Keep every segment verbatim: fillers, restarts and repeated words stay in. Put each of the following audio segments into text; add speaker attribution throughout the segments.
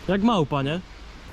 Speaker 1: Jak małpa, nie?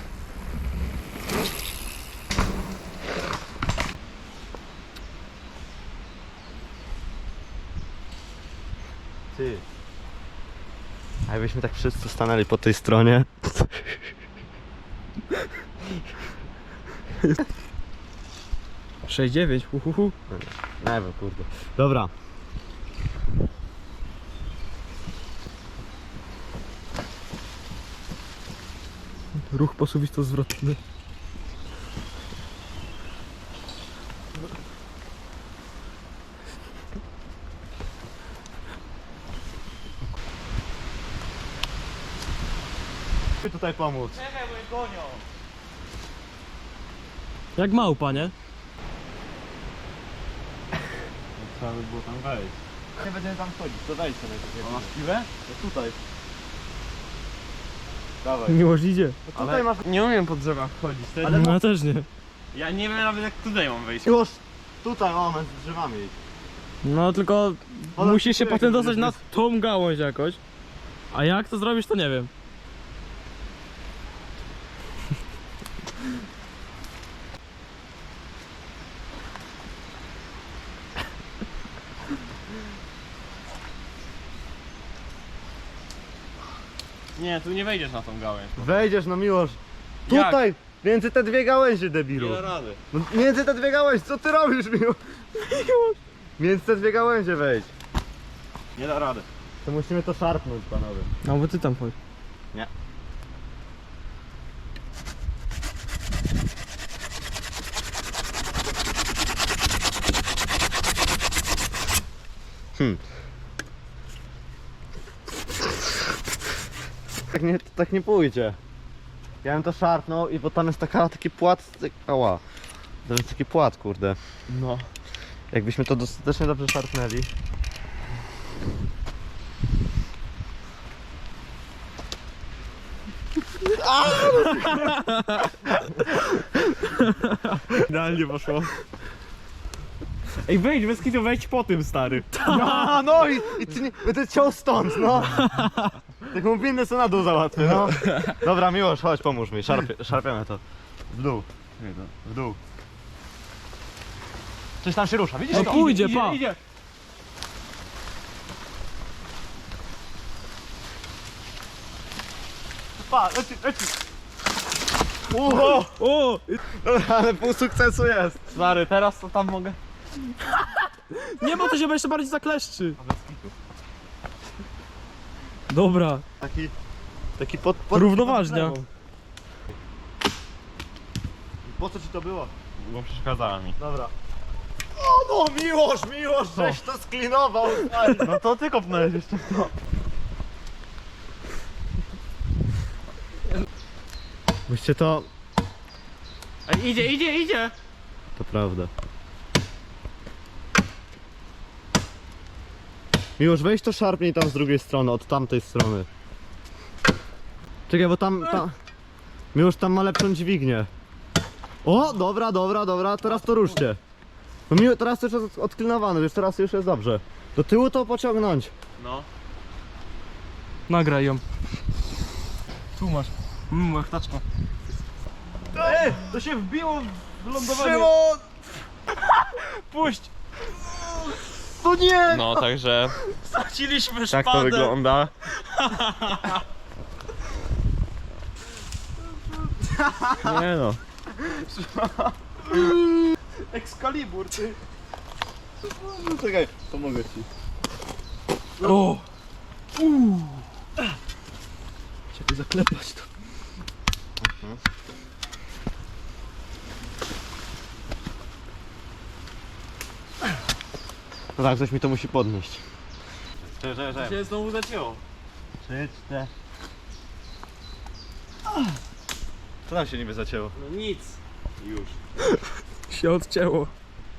Speaker 2: Ty. A jakbyśmy tak wszyscy stanęli po tej stronie.
Speaker 1: sześć dziewięć, uhuhu.
Speaker 2: Nie wiem, kurde. Dobra.
Speaker 1: Ruch posuwisto zwrotny.
Speaker 2: Chcę tutaj pomóc.
Speaker 3: Czekaj, bo mnie gonią.
Speaker 1: Jak małpa, nie?
Speaker 2: Trzeba by było tam wejść.
Speaker 3: Nie będziemy tam chodzić, to wejdź sobie.
Speaker 2: A masz piwę?
Speaker 3: No tutaj.
Speaker 2: Dawaj.
Speaker 1: Miłość idzie.
Speaker 2: No tutaj masz...
Speaker 3: Nie umiem po drzewach chodzić. To
Speaker 1: Ale ja też nie.
Speaker 3: Ja nie wiem nawet jak tutaj mam wejść.
Speaker 2: Już tutaj, o, z drzewami.
Speaker 1: No tylko
Speaker 2: Ale
Speaker 1: musisz się
Speaker 2: jak
Speaker 1: potem
Speaker 2: to
Speaker 1: dostać na
Speaker 2: jest-
Speaker 1: tą gałąź jakoś. A jak to zrobisz, to nie wiem.
Speaker 3: Nie, tu nie wejdziesz na tą gałęź.
Speaker 2: Wejdziesz, no Miłosz.
Speaker 3: Jak?
Speaker 2: Tutaj! Między te dwie gałęzie, debilu.
Speaker 3: Nie da rady.
Speaker 2: No, między te dwie gałęzie, co ty robisz, Miłosz? Między te dwie gałęzie wejdź.
Speaker 3: Nie da rady.
Speaker 2: To musimy to szarpnąć, panowie.
Speaker 1: No bo ty tam chodź.
Speaker 2: Nie. Hmm. Tak nie, tak nie pójdzie. Ja bym to szarpnął i bo tam jest taka, taki płat, tak- ała. To jest taki płat, kurde.
Speaker 3: No.
Speaker 2: Jakbyśmy to dostatecznie dobrze szarpnęli.
Speaker 3: Idealnie poszło. Ej, wejdź, bez kitu, wejdź po tym, stary.
Speaker 2: No, no i, i ty nie, będę ciął stąd, no. Taką windę co na dół załatwię, no. Dobra, Miłosz, chodź, pomóż mi, Szarpie, szarpiemy to. W dół, w dół. Coś tam się rusza, widzisz
Speaker 1: No
Speaker 2: to?
Speaker 1: pójdzie,
Speaker 3: idzie,
Speaker 1: pa.
Speaker 3: Idzie.
Speaker 2: Pa, leci, leci. O,
Speaker 1: O!
Speaker 2: dobra, ale pół sukcesu jest.
Speaker 3: Stary, teraz to tam mogę.
Speaker 1: Nie, bo to się jeszcze bardziej zakleszczy. Dobra.
Speaker 2: Taki, taki pod, pod
Speaker 1: Równoważnia.
Speaker 2: pod po co ci to było?
Speaker 3: Bo przeszkadzała mi.
Speaker 2: Dobra. O no, Miłosz, Miłosz, żeś to sklinował.
Speaker 3: No to ty kopnąłeś jeszcze. No.
Speaker 2: Byście to...
Speaker 3: Ej, idzie, idzie, idzie.
Speaker 2: To prawda. Miłosz, weź to szarpnij tam z drugiej strony, od tamtej strony. Czekaj, bo tam... tam... Miłosz tam ma lepszą dźwignię. O, dobra, dobra, dobra, teraz to ruszcie. No Miło, teraz to już jest odklinowane, już teraz już jest dobrze. Do tyłu to pociągnąć.
Speaker 3: No.
Speaker 1: Nagraj ją. Tu masz. Mmm, łechtaczka.
Speaker 3: Ej, to się wbiło w lądowanie.
Speaker 2: Szymon!
Speaker 3: Puść.
Speaker 2: No nie!
Speaker 3: No, także
Speaker 1: Straciliśmy
Speaker 3: tak to wygląda. Nie no.
Speaker 2: Excalibur, ty! Czekaj, pomogę ci.
Speaker 1: O! Uuu. Czekaj, zaklepać to.
Speaker 2: No tak, ktoś mi to musi podnieść.
Speaker 3: Że, że, że. Się znowu zacięło.
Speaker 2: Trzy, cztery. Co nam się niby zacięło?
Speaker 3: No nic. Już.
Speaker 1: Się odcięło.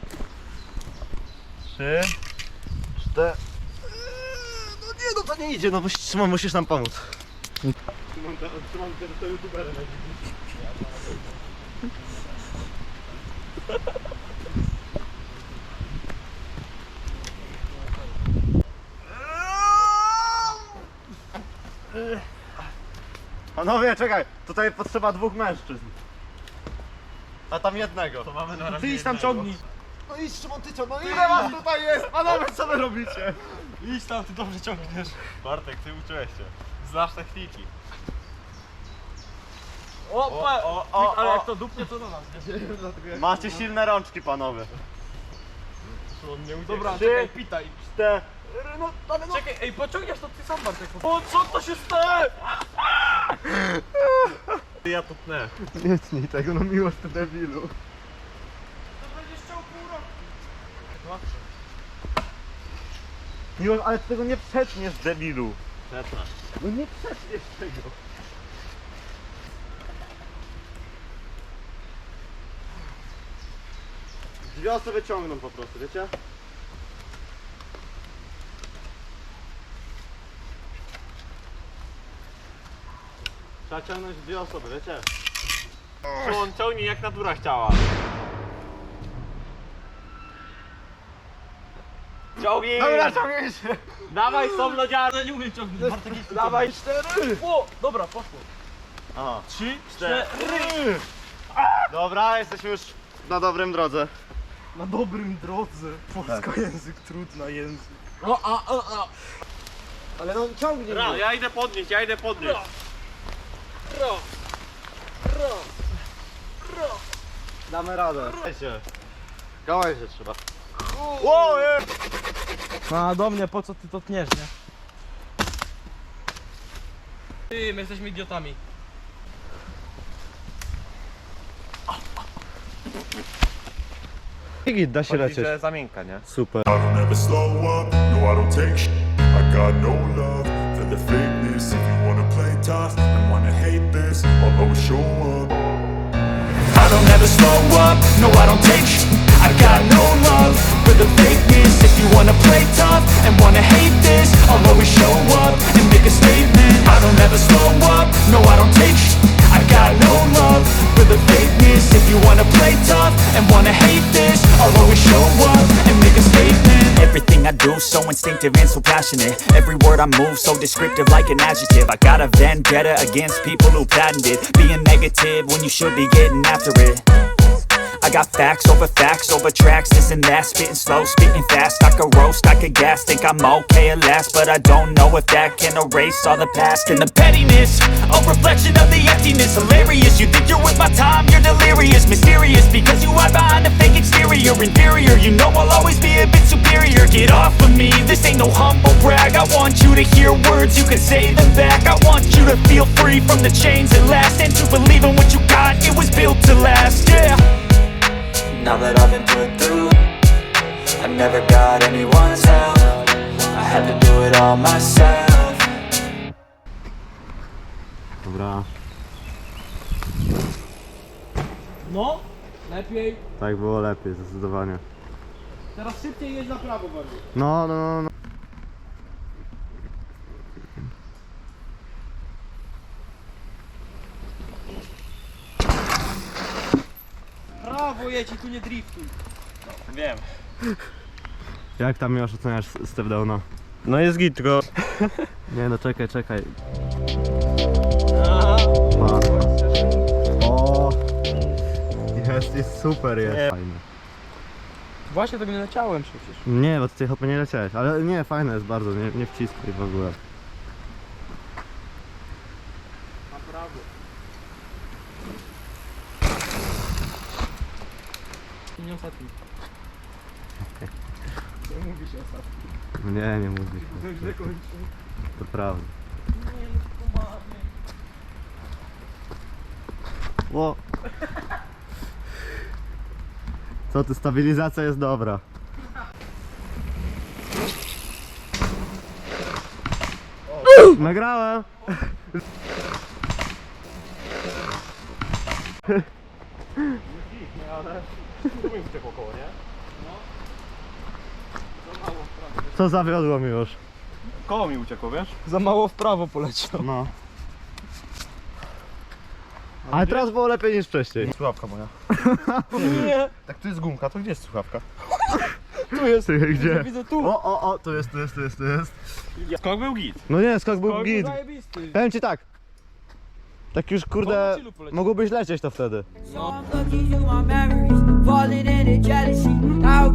Speaker 2: Trzy, cztery. No nie, no to nie idzie, no musisz, Szymon, musisz nam pomóc.
Speaker 3: Szymon, Szymon, to youtuberem.
Speaker 2: Panowie, czekaj, tutaj potrzeba dwóch mężczyzn. A tam jednego.
Speaker 3: To mamy na razie
Speaker 1: Ty idź tam
Speaker 3: jednego.
Speaker 1: ciągnij.
Speaker 2: No idź Szymon, ty ciągnij. No ile was tutaj jest? Panowie, co wy robicie?
Speaker 1: Idź tam, ty dobrze ciągniesz.
Speaker 3: Bartek, ty uczyłeś się. Znasz techniki.
Speaker 1: O,
Speaker 3: O,
Speaker 1: pa,
Speaker 3: o, o,
Speaker 1: ale
Speaker 3: o.
Speaker 1: jak to dupnie, to do nas, nie?
Speaker 2: Macie silne rączki, panowie.
Speaker 3: On nie uciekł.
Speaker 1: Dobra,
Speaker 2: Trzy.
Speaker 1: czekaj, pitaj.
Speaker 2: Cztery, no, no, no.
Speaker 1: Czekaj, ej, pociągniesz to ty sam, Bartek. O, co to się stało?
Speaker 3: Ja to tnę.
Speaker 2: Nie tnij tego, no miłość ty debilu.
Speaker 1: To będziesz chciał pół roku.
Speaker 2: Miłość, ale ty tego nie przetniesz, debilu.
Speaker 3: Przetnę.
Speaker 2: No nie przetniesz tego. Dwie osoby ciągną po prostu, wiecie? Trzeba ciągnąć dwie osoby, wiecie?
Speaker 3: On ciągnie jak natura chciała. Ciągnij!
Speaker 2: Dobra, ciągnij się!
Speaker 3: Dawaj z tą lodziarą!
Speaker 1: Ja nie umiem ciągnąć. Bartek, idź tu
Speaker 3: Dawaj
Speaker 1: ciągnij. O, dobra, poszło.
Speaker 2: Aha.
Speaker 1: Trzy,
Speaker 2: Cztery.
Speaker 1: cztery.
Speaker 2: Dobra, jesteśmy już na dobrym drodze.
Speaker 1: Na dobrym drodze. Polska język, trudna język. O, a, a, a.
Speaker 2: Ale no ciągnij
Speaker 3: Ra, ja idę podnieść, ja idę podnieść.
Speaker 1: Ro. Ro. Ro.
Speaker 2: Damy radę. Się. Gałęzie się trzeba. Ło, je.
Speaker 1: No, a do mnie, po co ty to tniesz, nie? Ty, my jesteśmy idiotami.
Speaker 2: Git, da się lecieć.
Speaker 3: Że zamienka, nie?
Speaker 2: Super.
Speaker 4: I don't ever slow up, no I don't take sh**. I got no love for the fakeness. If you wanna play tough and wanna hate this, I'll always show up. I don't ever slow up, no I don't take sh**. I got no love for the fakeness. If you wanna play tough and wanna hate this, I'll always show up and make a statement. I don't ever slow up, no I don't take sh**. I got no love for the fakeness. If you wanna play tough and wanna hate this, I'll always show up and make a statement.
Speaker 5: Everything I do so instinctive and so passionate. Every word I move so descriptive like an adjective. I got a vendetta against people who patented being negative when you should be getting after it. I got facts over facts over tracks, this and that. Spitting slow, spitting fast, I could roast, I could gas. Think I'm okay at last, but I don't know if that can erase all the past. And the pettiness, a reflection of the emptiness. Hilarious, you think you're with my time, you're delirious. Mysterious, because you hide behind a fake exterior. Inferior, you know I'll always be a bit superior. Get off of me, this ain't no humble brag. I want you to hear words, you can say them back. I want you to feel free from the chains at last, and to believe in what you got, it was built to last, yeah. Now that I've been put through, I never got anyone's help. I had to do it all myself.
Speaker 2: Dobra,
Speaker 1: No, lepiej.
Speaker 2: tak było lepiej, zdecydowanie.
Speaker 1: Teraz szybciej jedź na prawo bardziej.
Speaker 2: No, no, no, no.
Speaker 1: Prawo jedź i tu nie driftuj.
Speaker 3: Wiem.
Speaker 2: Jak tam już oceniasz step downa?
Speaker 3: No jest git, tylko...
Speaker 2: Nie no, czekaj, czekaj.
Speaker 1: Aha.
Speaker 2: Pa. O, jest, jest super, jest.
Speaker 3: Nie.
Speaker 2: Fajne.
Speaker 1: Właśnie tak nie leciałem przecież.
Speaker 2: Nie, bo ty chyba nie leciałeś, ale nie, fajne jest bardzo, nie, nie wciskaj w ogóle.
Speaker 1: Na prawo. Nie ostatni. Nie mówi się ostatni.
Speaker 2: Nie, nie mówisz.
Speaker 1: To źle kończy.
Speaker 2: To prawda.
Speaker 1: Nie, no poważnie.
Speaker 2: O. Co ty, stabilizacja jest dobra. Nagrałem!
Speaker 3: Tu mi uciekło koło, nie?
Speaker 2: Co zawiodło mi już?
Speaker 3: Koło mi uciekło, wiesz?
Speaker 1: Za mało w prawo poleciał.
Speaker 2: No. Ale teraz było lepiej niż wcześniej.
Speaker 3: Słuchawka moja.
Speaker 1: Nie,
Speaker 3: Tak tu jest gumka, to gdzie jest słuchawka?
Speaker 1: tu jest.
Speaker 2: Ty, gdzie?
Speaker 1: Widzę tu.
Speaker 2: O, o, o, tu jest, tu jest, tu jest, tu jest.
Speaker 3: Skok był git.
Speaker 2: No nie, skok był
Speaker 1: To
Speaker 2: git.
Speaker 1: zajebisty.
Speaker 2: Powiem ci tak. Tak już kurde, mogłobyś lecieć to wtedy.
Speaker 6: So I'm looking through my memories, falling into jealousy. How